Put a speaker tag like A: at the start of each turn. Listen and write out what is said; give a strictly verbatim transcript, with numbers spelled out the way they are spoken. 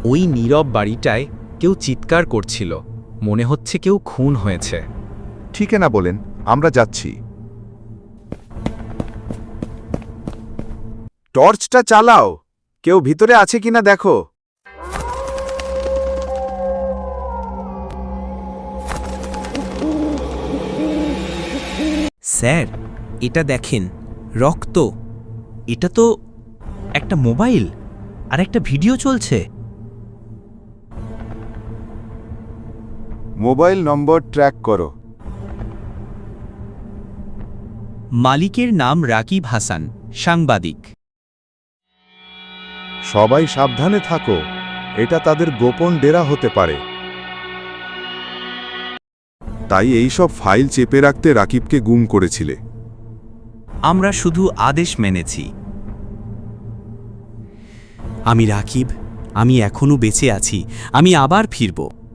A: ওই নীরব বাড়িটায় কেউ চিৎকার করছিল, মনে হচ্ছে কেউ খুন হয়েছে।
B: ঠিকানা বলেন, আমরা যাচ্ছি।
C: টর্চটা চালাও, কেউ ভিতরে আছে কিনা দেখো।
D: স্যার, এটা দেখেন, রক্ত। এটা তো একটা মোবাইল আর একটা ভিডিও চলছে।
C: মোবাইল নম্বর ট্র্যাক করো।
D: মালিকের নাম রাকিব হাসান, সাংবাদিক।
B: সবাই সাবধানে থাকো, এটা তাদের গোপন ডেরা হতে পারে। তাই এই সব ফাইল চেপে রাখতে রাকিবকে গুম করেছিলে।
D: আমরা শুধু আদেশ মেনেছি। আমি রাকিব, আমি এখনো বেঁচে আছি, আমি আবার ফিরব।